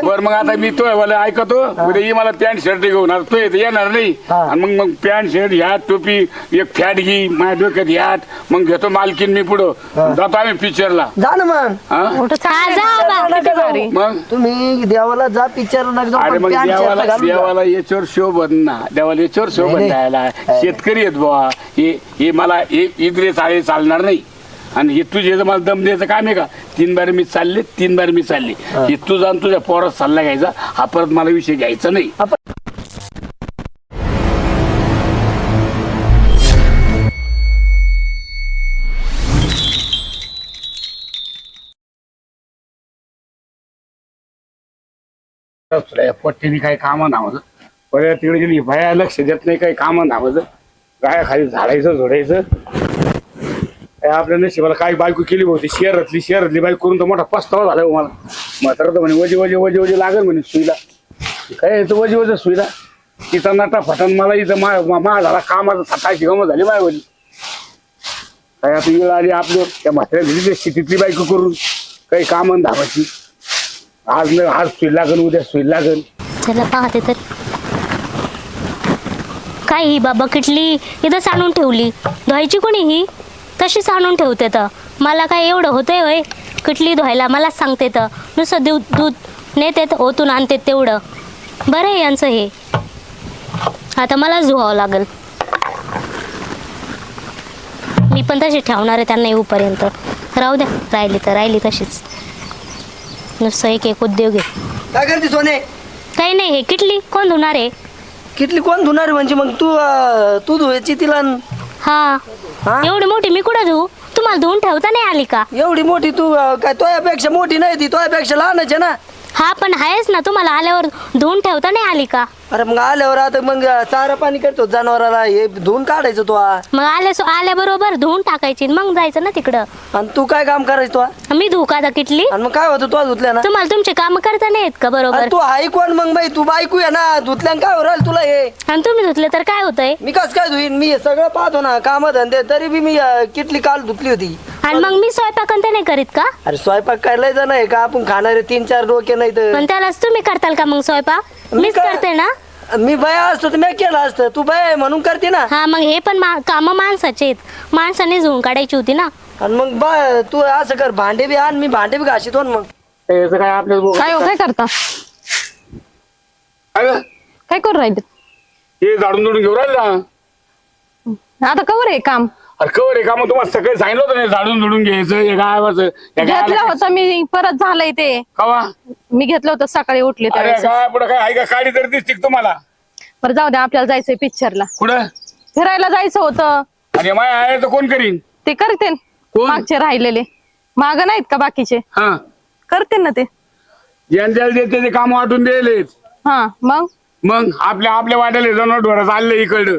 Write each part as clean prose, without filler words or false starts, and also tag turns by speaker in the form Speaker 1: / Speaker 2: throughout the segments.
Speaker 1: बर मग आता मी तो मला ऐकतो उद्या ये मला पॅन्ट शर्ट घेऊन आता तो येणार नाही आणि मग पॅन्ट शर्ट ह्यात टोपी एक फॅट घे माझ्या डोक्यात ह्यात मग घेतो मालकीन मी पुढं जातो आम्ही पिक्चरला
Speaker 2: जा ना मग
Speaker 1: मग
Speaker 2: तुम्ही देवाला जा पिक्चर
Speaker 1: अरे मग देवाला याच्यावर शोभन ना देवाला याच्यावर शोभन द्यायला शेतकरी आहेत बुवा हे मला इकडे चाळे चालणार नाही आणि हे तुझे मला दम द्यायचं काम आहे का 3 बार मी चालले 3 बार मी चालली हे तू जाऊन तुझ्या पोरात सल्ला घ्यायचा हा परत मला विषय घ्यायचा नाही पट्टीने काही कामं नावाचं परत तिकडे गेली भया लक्ष देत नाही काही कामं नावाचं गाया खाली झाडायचं झोडायचं आपल्या नशिबाला काही बायको केली होती शहरातली बायको करून तर मोठा पस्तावा झाला मला म्हातारा तर म्हणे वजे लागेल म्हणे सुईला काय येतं वजे सुईला तिचा नाटा फटान मला इथं मा झाला कामाचा सकाळची गमत झाली मायवली काय आता वेळ आली आपलं त्या म्हाताऱ्या दिली शेतीतली बायको करून काही कामं धावायची आज सुई लागेल उद्या सुई लागेल
Speaker 3: चला पाहते तर काय ही बाबा किटली इथं सांडून ठेवली धुवायची कोणी ही तशीच आणून ठेवते तर मला काय एवढं होतंय होय किटली धुवायला मलाच सांगते तर नुसतं दूध नेते ओतून आणते तेवढं बरं आहे यांचं हे आता मलाच धुवावं लागेल मी पण तशी ठेवणार आहे त्यांना येऊपर्यंत राहू द्या राहिली तशीच नुसतं एक उद्योग आहे
Speaker 2: काय करते सोने
Speaker 3: काही नाही हे किटली कोण धुणार आहे
Speaker 2: किटली कोण धुणार म्हणजे मग तू धुवायची तिला
Speaker 3: हा एवढी मोठी मी कुठं धुवू तुम्हाला धुवून ठेवता नाही आली का
Speaker 2: एवढी मोठी तू काय तोयापेक्षा मोठी नाही ती तोयापेक्षा लहानच आहे ना
Speaker 3: हा पण आहेच ना तुम्हाला आल्यावर धुवून ठेवता नाही आली का
Speaker 2: अरे मग आल्यावर आता मग चारा पाणी करतो जनावराला हे धुवून काढायचं तो
Speaker 3: मग आल्याबरोबर धुवून टाकायची मग जायचं ना तिकडं
Speaker 2: आणि तू काय काम करायचं तो
Speaker 3: मी धुऊ का आता किटली
Speaker 2: आणि मग काय होतं तू धुतल्या ना
Speaker 3: तुम्हाला तुमचे काम करता नाही येत का बरोबर
Speaker 2: तू हाय कोण मग बाई तू बायकू आहे ना धुतल्या काय होईल तुला हे
Speaker 3: आणि तुम्ही धुतले तर काय होतंय
Speaker 2: मी कस काय धुईन मी हे सगळं पाहतो ना काम धंदे तरी बी मी किटली काल धुतली होती
Speaker 3: आणि मग मी स्वयंपाक ते नाही करीत का
Speaker 2: अरे स्वयंपाक करायला जण आहे का आपण खाणारे 3-4 डोके नाही तर
Speaker 3: पण त्यालाच तुम्ही करताल का मग स्वयंपाक मीच करते ना
Speaker 2: मी बया असतो तर मी केलं असतं तू बया आहे म्हणून करते ना
Speaker 3: हा मग हे पण काम माणसाचे आहेत माणसाने धुवून काढायची होती ना
Speaker 2: आणि मग बा तू असं कर भांडे बी आण मी भांडे बी घासितो मग
Speaker 1: काय आपल्या
Speaker 4: काय करता काय करू राहिले
Speaker 1: हे झाडून घेऊन राहिल ना
Speaker 4: आता कवर आहे काम
Speaker 1: अरे कवर आहे का मग तुम्हाला सगळं सांगितलं होतं झाडून झुडून घ्यायचं हे गावाचं
Speaker 4: घेतलं होतं मी परत झालंय ते
Speaker 1: कवा
Speaker 4: मी घेतलं होतं सकाळी उठले
Speaker 1: अरे
Speaker 4: त्यावेळेस
Speaker 1: काय पुढे काय आहे का काडी तरी दिसते का तुम्हाला
Speaker 4: बरं जाऊ द्या आपल्याला जायचंय पिक्चरला
Speaker 1: कुठं
Speaker 4: फिरायला जायचं होतं
Speaker 1: आणि माय आहे तर कोण करीन
Speaker 4: ते करते
Speaker 1: कोण?
Speaker 4: मागचे राहिलेले माग नाहीत का बाकीचे
Speaker 1: हा
Speaker 4: करते ना ते
Speaker 1: ज्यांच्या देते ते काम वाटून दिलेत
Speaker 4: हा
Speaker 1: मग आपल्या वाट्याला जनावर चालले इकडं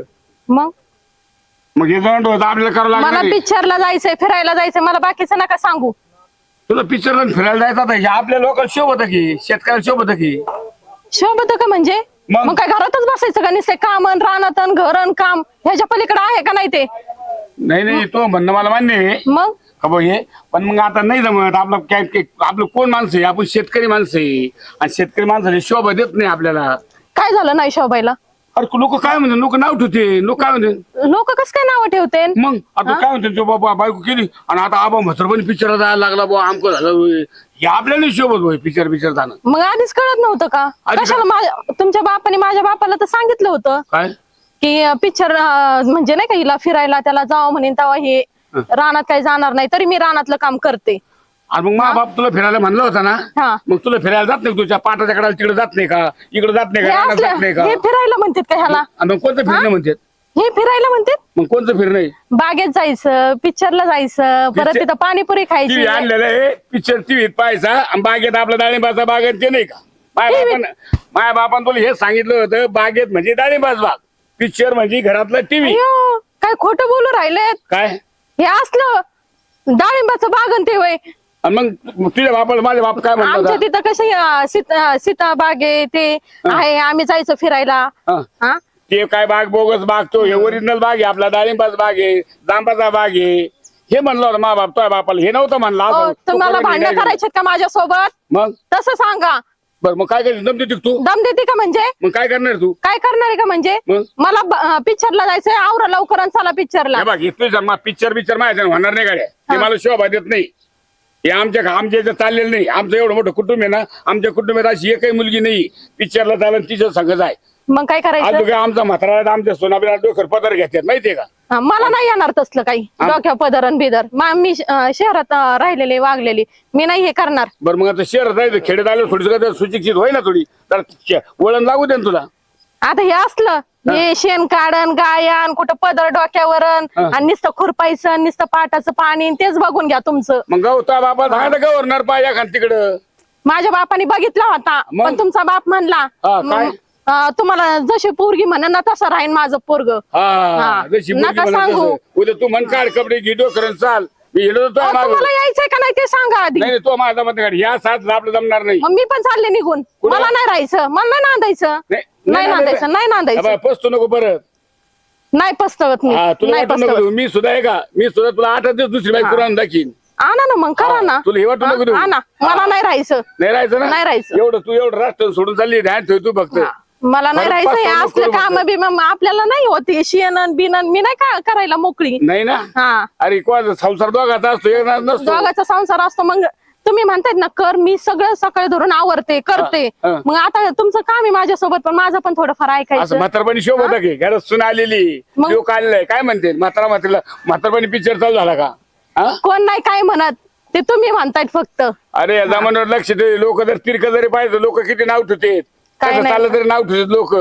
Speaker 1: मग हे जनावर आपल्याला करावं
Speaker 4: मला
Speaker 1: लागणार
Speaker 4: पिक्चरला जायचंय फिरायला जायचंय मला बाकीचं नका सांगू
Speaker 1: तुला पिक्चरला फिरायला जायचं आता हे आपल्या लोकांना शोभत की शेतकऱ्याला शोभत की
Speaker 4: शोभत का म्हणजे
Speaker 1: मग?
Speaker 4: मग काय घरातच बसायचं का निसे कामन रानातन घरन काम ह्याच्या पलीकडे आहे का नाही ते
Speaker 1: नाही तो म्हणणं मला मान्य आहे
Speaker 4: मग
Speaker 1: का भाऊ हे पण मग आता नाही जमत आपलं कोण माणसं आहे आपण शेतकरी माणसं आहे आणि शेतकरी माणसाने शोभा देत नाही आपल्याला
Speaker 4: काय झालं नाही शोभायला
Speaker 1: अरे लोक काय म्हणते लोक नाव ठेवते लोक काय म्हणते
Speaker 4: लोक कस काय नाव ठेवते
Speaker 1: मग आता काय म्हणते तो बाबा बायको केली आणि आता आबा म्हातारपणी पिक्चर जायला लागला बुवा आमकं झालं हे आपल्याला शोभत भाई पिक्चर जाणं
Speaker 4: मग आधीच कळत नव्हतं का कशाला तुमच्या बापाने माझ्या बापाला तर सांगितलं होतं
Speaker 1: काय
Speaker 4: की पिक्चर म्हणजे नाही का हिला फिरायला त्याला जावं म्हणेन तेव्हा हे रानात काही जाणार नाही तरी मी रानातलं काम करते
Speaker 1: आणि मग मा बाप तुला फिरायला म्हणलं होता ना
Speaker 4: हा
Speaker 1: मग तुला फिरायला जात नाही तुझ्या पाटाच्या कडाला तिकडे जात नाही का इकडे जात नाही
Speaker 4: हे
Speaker 1: का रानात जात
Speaker 4: असलं-
Speaker 1: नाही का
Speaker 4: हे फिरायला म्हणतात का ह्याला
Speaker 1: आणि मग कोणतं फिरणं म्हणतात
Speaker 4: हे फिरायला म्हणतात
Speaker 1: मग कोणतं फिरणं आहे
Speaker 4: बागेत जायचं पिक्चरला जायचं परत
Speaker 1: Picture-
Speaker 4: तिथं पाणीपुरी खायची
Speaker 1: टीव्ही आणलेलं आहे पिक्चर टीव्हीत पाहायचा आणि बागेत आपला डाळिंबाचा बागेत ते नाही का माझ्या बापान तुला हे सांगितलं होतं बागेत म्हणजे डाळिंबाच बाग पिक्चर म्हणजे घरातलं टीव्ही
Speaker 4: अय्यो, काय खोटं बोलू राहिलेत
Speaker 1: काय
Speaker 4: हे असलं डाळिंबाचं बागन ते वय
Speaker 1: आणि मग तुझ्या बापाला माझ्या बाप काय म्हणतो
Speaker 4: आमच्या तिथं कसे सीता बाग आहे ते आहे आम्ही जायचं फिरायला हा
Speaker 1: ते काय बाग बोगस बाग तो हे ओरिजिनल बाग आहे आपला डाळिंबाचा बाग आहे जांबाचा बाग आहे हे म्हणलं होतं मा बाप तुझ्या बापाला हे नव्हतं म्हणलं
Speaker 4: तुम्हाला भांडण करायचे का माझ्यासोबत
Speaker 1: मग
Speaker 4: तसं सांगा
Speaker 1: बरं मग काय करणार दम देते का तू
Speaker 4: दम देते का म्हणजे
Speaker 1: मग काय करणार तू
Speaker 4: काय करणार आहे का म्हणजे
Speaker 1: मग?
Speaker 4: मला पिक्चरला जायचंय आवरा लवकर आणि चला पिक्चरला.
Speaker 1: हे बघ इथं पिक्चर माझ्या होणार नाही गाड्या ते मला शोभा देत नाही. हे आमच्या इथं चाललेलं नाही. आमचं एवढं मोठं कुटुंब आहे ना आमच्या कुटुंबात अशी एकही मुलगी नाही पिक्चरला चालून तिच्या संगत आहे.
Speaker 4: मग काय
Speaker 1: आज
Speaker 4: करायचं
Speaker 1: काय आमचा म्हातारा आमच्या सोनाबीला डोकर पदर घेतात माहितीये का.
Speaker 4: मला नाही येणार तसलं काही डोक्या पदर आणि बिदर मी शहरात राहिलेले वागलेली मी नाही हे करणार.
Speaker 1: बरं मग आता शहरात जायचं खेड्यात आलं थोडीस सुशिक्षित होय ना थोडी तर वळण लागू दे ना तुला.
Speaker 4: आता हे असलं हे शेण काढण गायन कुठं पदर डोक्यावरण आणि नुसतं खुरपायचं नुसतं पाटाचं पाणी तेच बघून घ्या तुमचं.
Speaker 1: मग गवता बाबा धागा गव्हर्नर पाया खान तिकडं
Speaker 4: माझ्या बापाने बघितला होता
Speaker 1: मग?
Speaker 4: पण तुमचा बाप म्हणला
Speaker 1: काय?
Speaker 4: तुम्हाला जशी पोरगी म्हण ना तसं राहीन माझं पोरग.
Speaker 1: हा जशी मुलगी
Speaker 4: नका
Speaker 1: म्हणत
Speaker 4: सांगू.
Speaker 1: तसं. उद्या तू मन काढ कपडे घे डोकरन चाल मी हिडत होतो मागं.
Speaker 4: तुम्हाला यायचंय का नाही ते सांगा आधी.
Speaker 1: नाही तो माझा मत काढ या साथ आपलं जमणार नाही.
Speaker 4: मग मी पण चालले निघून
Speaker 1: कुठं?
Speaker 4: मला नाही राहायचं मला नाही नांदायचं नाही नांदायचं नाही नांदायचं
Speaker 1: पसतो नको परत.
Speaker 4: नाही पस्तवत मी
Speaker 1: हा तुला
Speaker 4: नाही
Speaker 1: वाटू नको
Speaker 4: पस्तवत.
Speaker 1: देऊ. मी सुद्धा आहे का मी सुद्धा तुला 8 दिवस दुसरी बाईक करून दाखीन.
Speaker 4: आणा ना मग करा ना
Speaker 1: तुला हे वाटू नको देऊ.
Speaker 4: आणा मला नाही राहायचं
Speaker 1: नाही राहायचं ना
Speaker 4: नाही राहायचं.
Speaker 1: एवढं तू एवढं राष्ट्र सोडून चालली ध्यान ठेव तू फक्त.
Speaker 4: मला नाही
Speaker 1: परत
Speaker 4: राहायचं हे
Speaker 1: पस्ताव नको
Speaker 4: असलं
Speaker 1: करू
Speaker 4: काम
Speaker 1: फक्त.
Speaker 4: बिम आपल्याला नाही होते शेणन बिनन मी नाही का करायला मोकळी.
Speaker 1: नाही ना
Speaker 4: हा
Speaker 1: अरे कोणाचा संसार दोघाचा असतो एक नसतो.
Speaker 4: दोघाचा संसार असतो मग तुम्ही म्हणतायत ना कर मी सगळं सकाळी धरून आवरते करते
Speaker 1: हा.
Speaker 4: मग आता तुमचं काम आहे माझ्यासोबत पण माझं पण थोडंफार
Speaker 1: असं
Speaker 4: ऐकायचं.
Speaker 1: म्हातारपणी शोभ होता की घरात सुन आलेली
Speaker 4: मग?
Speaker 1: लोक आलेलं काय म्हणते म्हातारपणी पिक्चर चालू झाला का. हा
Speaker 4: कोण नाही काय म्हणत ते तुम्ही म्हणतायत फक्त.
Speaker 1: अरे या जमान्यावर लक्ष दे. लोक जर तिरक जरी पाहिजे लोक किती नाव ठेवतात
Speaker 4: काय
Speaker 1: कसं
Speaker 4: नाही.
Speaker 1: चाललं तरी नाव ठेवतात लोक.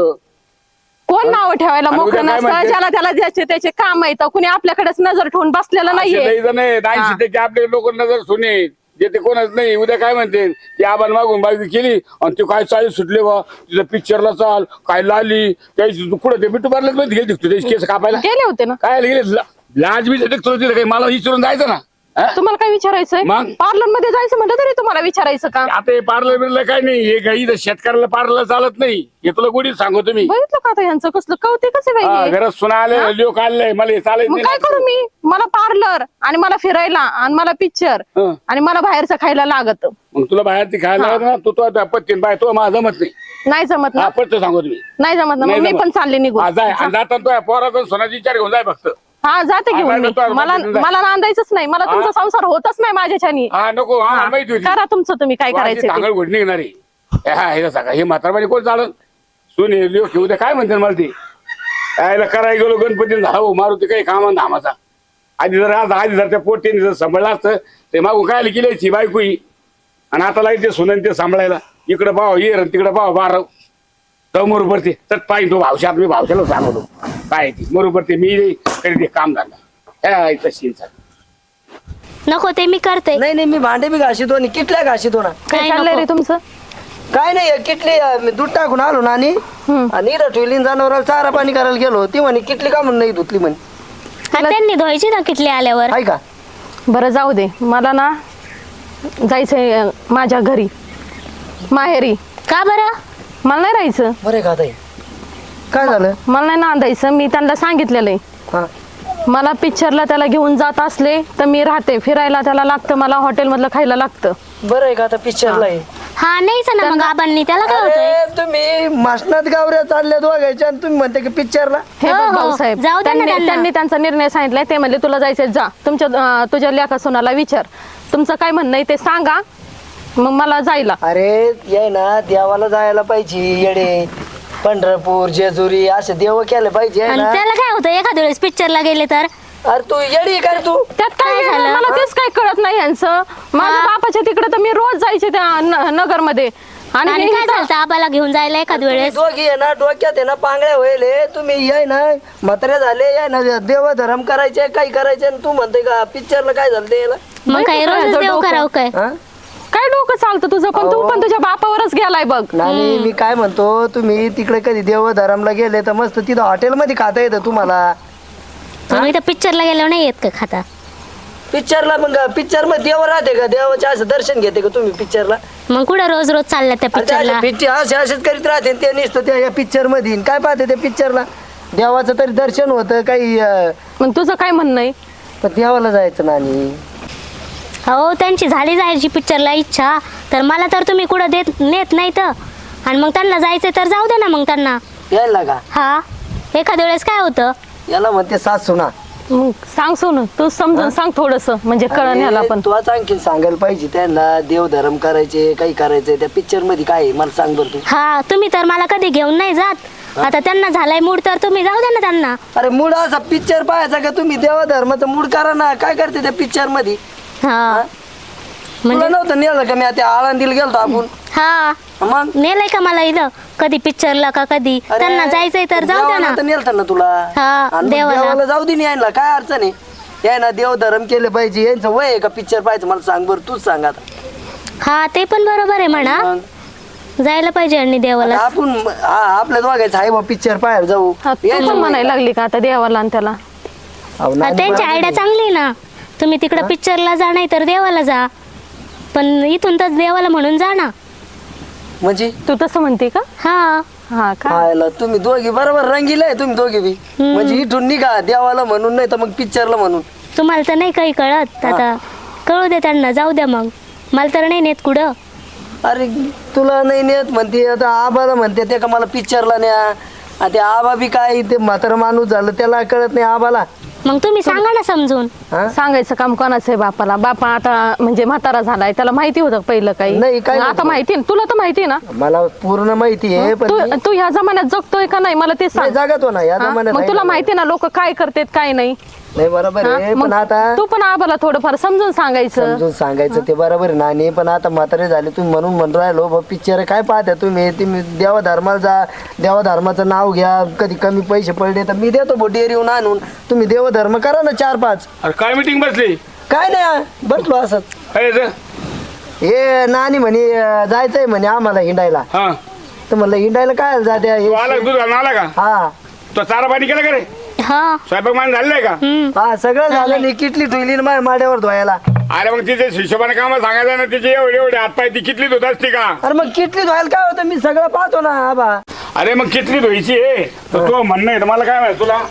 Speaker 4: कोण नाव ठेवायला
Speaker 1: आणि उद्या
Speaker 4: मोकळं
Speaker 1: काय
Speaker 4: नसतं
Speaker 1: म्हणते?
Speaker 4: ज्याला त्याला ज्याचे त्याचे काम येतं कुणी आपल्याकडेच नजर ठेवून बसलेलं नाहीये.
Speaker 1: 80% आपले लोक नजर सुने जे ते कोणच नाही. उद्या काय म्हणते ती आबान मागून बायको केली आणि तू काय चाळीस सुटले बा तुझं पिक्चरला चाल काय लाली त्याची तू कुठं ते बिट्टू पार्लर मध्ये गेली तू त्याची केस कापायला
Speaker 4: गेले होते ना.
Speaker 1: काय गेले लाज बी तिथं काही मला विचारून जायचं ना. हा?
Speaker 4: तुम्हाला काय विचारायचंय
Speaker 1: मग?
Speaker 4: पार्लर मध्ये जायचं म्हटलं तरी तुम्हाला विचारायचं का.
Speaker 1: आता हे पार्लर बिर्लर काय नाही हे काही इथं शेतकऱ्याला पार्लर चालत नाही हे तुला गोडीत सांगतो मी.
Speaker 4: बघितलं का आता यांचं कसलं कौतिकच आहे बाई हे.
Speaker 1: घरात सुना आले लोक आले मला हे चालत
Speaker 4: मग काय करू
Speaker 1: नाही.
Speaker 4: मी मला पार्लर आणि मला फिरायला आणि मला पिक्चर
Speaker 1: हं.
Speaker 4: आणि मला बाहेरचं खायला लागत
Speaker 1: मग तुला बाहेर ती खायला लागत ना तू तो पत्तीन बाय तो माझा जमत नाही.
Speaker 4: नाही जमत ना
Speaker 1: हा पटत सांगतो तुम्ही
Speaker 4: नाही जमत ना
Speaker 1: नाही
Speaker 4: मग मी
Speaker 1: जमत.
Speaker 4: पण चालले निघून.
Speaker 1: हा, जाय आणि जाताना तो पोराकडून सोनाची विचार घेऊन जाय फक्त.
Speaker 4: हा जाते घेऊन मी
Speaker 1: बाहेर
Speaker 4: मला
Speaker 1: जातो,
Speaker 4: मला नांदायचंच नाही मला तुमचा संसार होतच नाही माझ्याच्यानी.
Speaker 1: हा नको हा माहिती होती
Speaker 4: करा तुमचं तुम्ही काय करायचं
Speaker 1: चांगल
Speaker 4: ते.
Speaker 1: घोडणी घेणारी हा हे सांगा हे म्हातारपणी कोण चालत सुन हे लोक उद्या काय म्हणते मला ते यायला करायला गेलो गणपती झाला हो मारुती काही कामा धामाचा आधी जर त्या पोटीने जर सांभाळलं असतं ते मागून काय केल्याची बायको ही आणि आता लागते सुनन ते सांभाळायला इकडं पाव ये तिकडे पाव बारव तर बरोबर ते तर पाहिजे तो भावशात मी भावशाला सांगतो काय ती बरोबर ते मी कधी काम झालं तशीचा
Speaker 3: नको ते मी करते.
Speaker 2: नाही नाही मी भांडे बी घासितो आणि किटल्या घासितो ना.
Speaker 4: काय
Speaker 3: काय
Speaker 4: चाललंय रे
Speaker 3: नको.
Speaker 4: तुमचं.
Speaker 2: काय नाही किटली मी दूध टाकून आलो ना आणि ठेवली जनावराला चारा पाणी करायला गेलो ती म्हणे किटली का म्हणून नाही धुतली म्हणे.
Speaker 3: हा, त्यांनी धुवायची ना किटली आल्यावर.
Speaker 2: आहे का
Speaker 4: बरं जाऊ दे मला ना जायचंय माझ्या घरी माहेरी.
Speaker 3: का बरं.
Speaker 4: मला नाही राहायचं
Speaker 2: बरे का ताई काय झालं.
Speaker 4: मला नाही नांदायचं मी त्यांना सांगितलेलं आहे.
Speaker 2: हा
Speaker 4: मला पिक्चरला त्याला घेऊन जात असले तर मी राहते फिरायला त्याला लागतं मला हॉटेल मधलं खायला लागतं.
Speaker 2: बरं आहे का आता पिक्चरला आहे.
Speaker 3: हा नाहीच ना मग आबांनी त्याला काय होतंय.
Speaker 2: अरे, तुम्ही मासनात गावऱ्या चालल्या दोघायच्या आणि तुम्ही म्हणते की पिक्चरला.
Speaker 4: हे
Speaker 3: हो,
Speaker 4: बघ
Speaker 3: हो.
Speaker 4: भाऊसाहेब
Speaker 3: जाऊ दे ना त्यांना.
Speaker 4: त्यांनी त्यांचा निर्णय सांगितलाय ते म्हणले तुला जायचंय जा तुझ्या लेका सोनाला विचार तुमचं काय म्हणणं आहे ते सांगा मग मला जायला.
Speaker 2: अरे ये ना देवाला जायला पाहिजे येडे पंढरपूर जेजुरी असे देव केले पाहिजे
Speaker 3: आणि
Speaker 2: ना.
Speaker 3: त्याला काय होतं एखाद्या वेळेस पिक्चरला गेले तर.
Speaker 2: अरे तू येडी का रे तू.
Speaker 4: त्यात काय
Speaker 3: काय
Speaker 4: झालं
Speaker 3: झालं?
Speaker 4: मला तेच काय कळत नाही यांचं. माझ्या
Speaker 3: हा.
Speaker 4: बापाच्या तिकडे तर मी रोज जायचे त्या नगर मध्ये
Speaker 3: आणि
Speaker 4: आणि
Speaker 3: काय झालं आबाला घेऊन जायला एखाद्या
Speaker 2: तुम्ही
Speaker 3: वेळेस.
Speaker 2: दोघी आहे ना डोक्यात आहे ना पांगळ्या व्हायले तुम्ही ये ना म्हातारे झाले या ना देव धर्म करायचे काही करायचे आणि तू म्हणते का पिक्चरला काय झालं ते याला.
Speaker 3: मग काय
Speaker 4: बाई,
Speaker 3: रोजच
Speaker 4: तुझं
Speaker 3: देव
Speaker 4: डोकं.
Speaker 3: करावं काय.
Speaker 2: हा?
Speaker 4: काय डोकं चालतं तुझं पण तू पण तुझ्या बापावरच गेलाय बघ.
Speaker 2: नाही मी काय म्हणतो तुम्ही तिकडे कधी देव धर्मला गेले तर मस्त तिथं हॉटेलमध्ये खाता येतं तुम्हाला.
Speaker 3: तुम्ही तर पिक्चरला गेल्यावर नाही येत का खाता.
Speaker 2: पिक्चरला मग पिक्चर मध्ये देव राहते का देवाचे असं दर्शन घेते का तुम्ही पिक्चरला.
Speaker 3: मग कुठं रोज रोज चालल्या त्या पिक्चरला.
Speaker 2: असे असेच करीत राहते ते नुसतं त्या पिक्चर मध्ये काय पाहते त्या पिक्चरला देवाचं तरी दर्शन होतं काही
Speaker 4: मग तुझं काय म्हणणं आहे.
Speaker 2: पण देवाला जायचं ना आणि
Speaker 3: हो त्यांची झाली जायची पिक्चरला इच्छा, तर मला तर तुम्ही कुठं नेत नाही तर. आणि मग त्यांना जायचं तर जाऊ दे ना मग त्यांना.
Speaker 2: यायला का?
Speaker 3: हा, एखाद्या वेळेस काय होतं.
Speaker 2: याला म्हणते सासू ना.
Speaker 4: मग सांग सोनू, तू समजून सांग थोडस, म्हणजे कळण ह्याला पण.
Speaker 2: तू आणखी सांगायला पाहिजे त्यांना, देवधर्म करायचे काही करायचे त्या पिक्चर मध्ये काय आहे मला सांग बरं तू.
Speaker 3: हा, तुम्ही तर मला कधी घेऊन नाही जात. आता त्यांना झालाय मूड तर तुम्ही जाऊ द्या ना त्यांना.
Speaker 2: अरे मूड असा पिक्चर पाहायचा का तुम्ही? देवधर्माचा मूड करा ना. काय करते त्या पिक्चर मध्ये?
Speaker 3: हा
Speaker 2: तुला
Speaker 3: म्हणजे
Speaker 2: नव्हतं नेलं का? मी आता आळंदीला गेलतो आपण.
Speaker 3: हा,
Speaker 2: मग
Speaker 3: नेलंय का मला इथं कधी पिक्चरला का कधी.
Speaker 2: अरे,
Speaker 3: त्यांना जायचंय तर जाऊ द्या ना.
Speaker 2: देवाला तर नेलतं ना तुला.
Speaker 3: हा,
Speaker 2: आणि मग
Speaker 3: देवाला.
Speaker 2: देवाला जाऊ दे यायला काय अडचण आहे? याय ना देवधर्म केलं पाहिजे. यांचं वय आहे का पिक्चर पाहायचं? मला सांग बरं, तूच सांग आता.
Speaker 3: हा, ते पण बरोबर आहे म्हणा.
Speaker 2: मग
Speaker 3: जायला पाहिजे आणि देवाला.
Speaker 2: आता आपण आपल्या दोघायचं आहे बा पिक्चर पाहायला जाऊ.
Speaker 4: हा, तू पण म्हणायला लागली का आता देवाला आणि त्याला?
Speaker 2: अहो, नाही,
Speaker 3: त्यांची
Speaker 2: बरोबर
Speaker 3: आयडिया
Speaker 2: आहे.
Speaker 3: चांगली आहे ना. तुम्ही तिकडं पिक्चरला जा नाही तर देवाला जा, पण इथून तर देवाला म्हणून जा ना.
Speaker 2: म्हणजे
Speaker 4: तू तसं म्हणते का?
Speaker 3: हा,
Speaker 4: हा का?
Speaker 2: पाहायला तुम्ही दोघी बरोबर रंगीला आहे तुम्ही दोघी बी. म्हणजे इथून निघा देवाला म्हणून, नाही तर मग पिक्चरला म्हणून.
Speaker 3: तुम्हाला तर नाही काही कळत. आता कळू दे त्यांना, जाऊ द्या मग. मला तर नाही नेत कुठं.
Speaker 2: अरे तुला नाही नेत म्हणते, आता आबाला म्हणते ते का मला पिक्चरला न्या. आणि ते आबा बी काय ते म्हातारा माणूस झालं, त्याला कळत नाही आबाला.
Speaker 3: मग तुम्ही सांगा ना समजून.
Speaker 2: हा?
Speaker 4: सांगायचं काम कोणाचं आहे बापाला? बापा आता म्हणजे म्हातारा झालाय, त्याला माहिती होतं पहिलं काही?
Speaker 2: नाही, काही
Speaker 4: आता
Speaker 2: नव्हतं.
Speaker 4: माहिती ना? तुला तर माहिती ना?
Speaker 2: मला पूर्ण माहिती आहे पण मी-
Speaker 4: तू ह्या जमान्यात जगतोय का नाही मला ते
Speaker 2: नाही,
Speaker 4: सांग.
Speaker 2: जागतो ना या
Speaker 4: हा?
Speaker 2: जमान्यात
Speaker 4: मग
Speaker 2: आहे
Speaker 4: तुला
Speaker 2: ना.
Speaker 4: माहिती ना लोक काय करतात काय नाही.
Speaker 2: नाही बरोबर
Speaker 4: हा?
Speaker 2: आहे
Speaker 4: मग
Speaker 2: पण आता
Speaker 4: तू पण आबाला थोडंफार समजून सांगायचं.
Speaker 2: समजून सांगायचं ते बरोबर आहे नानी. पण आता म्हातारे झाले तुम्ही म्हणून म्हणून राहिलो पिक्चर काय पाहता तुम्ही? तुम्ही देवा धर्माला जा, देवा धर्माचं नाव घ्या. कधी कमी पैसे पडले तर मी देतो बो डेअरीहून आणून. तुम्ही देवधर्म करा ना 4-5.
Speaker 1: अरे काय मीटिंग बसली
Speaker 2: काय नाही बसलो असंच.
Speaker 1: काय याचं?
Speaker 2: हे नानी म्हणे जायचंय म्हणे आम्हाला हिंडायला.
Speaker 1: हा,
Speaker 2: तर म्हणलं हिंडायला काय जात्या
Speaker 1: तू आला दूध घालून आला का?
Speaker 2: हा
Speaker 1: तो चारा पाणी केलं का रे?
Speaker 3: हा.
Speaker 1: स्वयंपाक मान झालेलं आहे का?
Speaker 2: हा सगळं झालं नाही. किटली ठेवली ना माझ्या माड्यावर धुवायला.
Speaker 1: अरे मग तिचे हिशोबाने काम सांगायचं ना. तिचे एवढे एवढे हातपाय ती किटली धुत असते का?
Speaker 2: अरे मग किटली धुवायला काय होतं? मी सगळं पाहतो ना आबा.
Speaker 1: अरे मग किटली धुवायची आहे तर तो म्हणणं आहे तर मला काय माहिती तुला?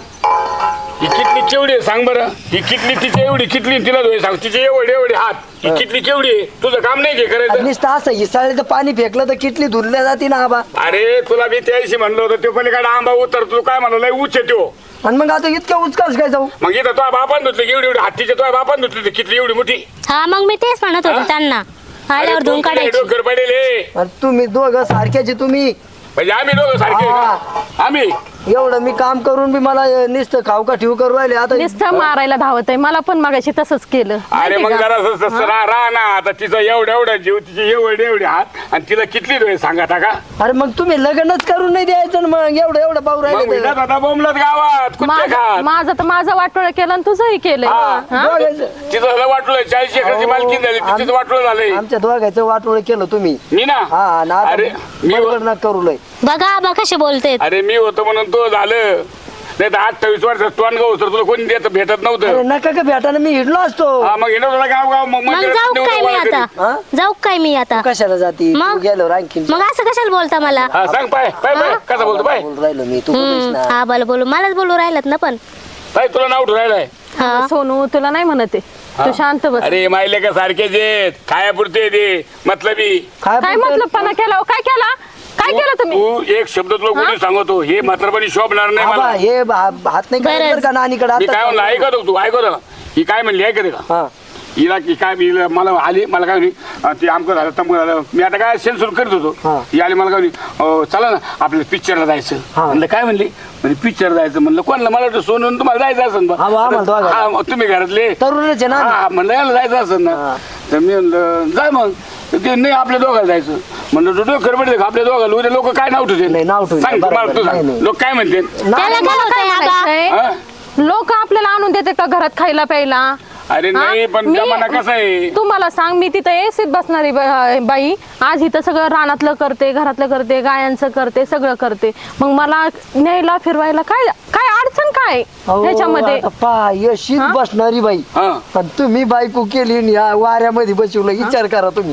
Speaker 1: ही किटली केवढी आहे सांग बरं? ही किटली तिची एवढी किटली तिला धुवाय सांग. तिचे एवढे एवढे हात. ही किटली केवढी आहे? तुझं काम नाही घे करायचं.
Speaker 2: नुसतं असं हिसाळीचं पाणी फेकलं तर किटली धुरल्या जाते ना आबा.
Speaker 1: अरे तुला मी त्याशी म्हणलं होतं तो पलीकडे आंबा उतर तू काय म्हणलं लय उच येतो.
Speaker 2: आणि मग आता इतकं उचकाच काय जाऊ?
Speaker 1: मग इथं तो बापान धुतली एवढी एवढी हातीच्या तो बापान धुतली किटली एवढी मोठी.
Speaker 3: हा, मग मी तेच म्हणत होते त्यांना, आल्यावर धुवून काढायची.
Speaker 1: डोकर पडेल हे.
Speaker 2: आणि तुम्ही दोघं सारख्याचे तुम्ही.
Speaker 1: म्हणजे आम्ही दोघं सारखे आहे का? आम्ही
Speaker 2: एवढं मी काम करून बी मला नुसतं खाऊ का ठेवू करू राहिले आता.
Speaker 4: नुसतं मारायला धावत आहे. मला पण मगाशी तसंच केलं.
Speaker 1: अरे
Speaker 4: माहिती
Speaker 1: मग
Speaker 4: का?
Speaker 1: जरा राहा ना. आता तिचं एवढं एवढं जीव तिचे एवढे एवढे हात आणि तिला किटली धुवे सांगा का?
Speaker 2: अरे मग तुम्ही लग्नच करून नाही द्यायचं ना मग एवढं एवढं पाहू
Speaker 1: मग
Speaker 2: राहिले
Speaker 1: विटात होता बोंबलत गावात कुठे खात.
Speaker 4: माझं तर माझं वाटोळ केलं आणि तुझंही केलंय.
Speaker 1: हा.
Speaker 4: हा?
Speaker 1: तिचं झालं वाटलं 40 एकरची मालकी झाली तिचं वाटलं झालंय.
Speaker 2: आमच्या दोघांचं वाटोळ केलं तुम्ही.
Speaker 1: मी ना
Speaker 2: हा ना
Speaker 1: अरे मी
Speaker 2: बरोबर ना करू लय.
Speaker 3: बघा बघा कसे बोलते.
Speaker 1: अरे मी होतो म्हणून तो झालं. नाही तर 28 वर्ष तू अनगाव तर तुला कोणी देत भेटत
Speaker 2: अरे
Speaker 1: नव्हतं.
Speaker 2: नका का भेटायला मी हिडलो असतो.
Speaker 1: हा मग येणं तुला गाव गाव मग
Speaker 3: मग
Speaker 1: मंदिरात
Speaker 3: जाऊ
Speaker 1: नेऊन
Speaker 3: काय मी
Speaker 1: गोळा करीत.
Speaker 3: आता?
Speaker 2: हा?
Speaker 3: जाऊ काय मी आता?
Speaker 2: कशाला जाती?
Speaker 3: मग?
Speaker 2: तू गेल्यावर आणखीन
Speaker 3: मग असं कशाला बोलता मला?
Speaker 1: हा सांग पाय पाय पाय कसं बोलतो पाय
Speaker 2: बोलू राहिलो मी. तू बोलीस ना.
Speaker 3: हा, बोल बोलू मलाच बोलू राहिलात ना पण.
Speaker 1: पाय तुला नाव ठेवायलाय.
Speaker 3: हा,
Speaker 4: सोनू तुला नाही म्हणत आहे. तू शांत बस.
Speaker 1: अरे मायले का सारखेच आहेत खायापुरते ते मतलबी.
Speaker 4: काय मतलब पणा केला हो? काय केला? काय केलं तुम्ही?
Speaker 1: तू एक शब्द तुला कोणी सांगतो हे म्हातारपणी शोभणार नाही
Speaker 2: आबा,
Speaker 1: मला.
Speaker 2: हे हात नाही
Speaker 3: बरं.
Speaker 2: करायचं बरं का नानीकडे
Speaker 1: मी काय म्हणलं ऐकत तू ऐकत ना. ही काय म्हणली ऐकते का?
Speaker 2: हा
Speaker 1: हिला की काय हिला मला आली मला काय म्हणे ते आमचं झालं तमक झालं. मी आता काय सेन्सूर करत होतो.
Speaker 2: हा.
Speaker 1: ही आली मला काय म्हणे चला ना आपल्याला पिक्चरला जायचं.
Speaker 2: हा.
Speaker 1: म्हणलं काय म्हणली म्हणजे पिक्चर जायचं. म्हणलं कोणाला मला वाटतं सोनून तुम्हाला जायचं असेल बा.
Speaker 2: हा, आम्हाला दोघांना.
Speaker 1: हा, मग तुम्ही घरातले
Speaker 2: तरुणच आहे ना.
Speaker 1: हा म्हणलं याला जायचं असेल ना.
Speaker 2: हा.
Speaker 1: तर मी म्हणलं जाय मग. तर ते नाही आपल्या दोघाला जायचं. म्हणलं तू डोकर पडते का आपल्या दोघाला उद्या लोक काय नाव ठेवते
Speaker 2: नाही, नाव ठेवतील.
Speaker 1: सांग
Speaker 2: बरोबर.
Speaker 1: मला तू
Speaker 2: नाही,
Speaker 1: सांग
Speaker 2: नाही.
Speaker 1: लोक काय म्हणते.
Speaker 3: त्याला काय होतंय आबा?
Speaker 4: लोक आपल्याला आणून देते का घरात खायला प्यायला?
Speaker 1: अरे नाही पण जमाना कसा आहे.
Speaker 4: तू मला सांग, मी तिथं एसीत बसणारी बाई आज इथं सगळं रानातलं करते, घरातलं करते, गायांचं करते, सगळं करते. मग मला न्यायला फिरवायला काय काय अडचण काय ह्याच्यामध्ये?
Speaker 2: यशीत बसणारी बाई
Speaker 1: हा.
Speaker 2: पण तुम्ही बायको केली आणि या वाऱ्यामध्ये बसवलं. विचार करा तुम्ही.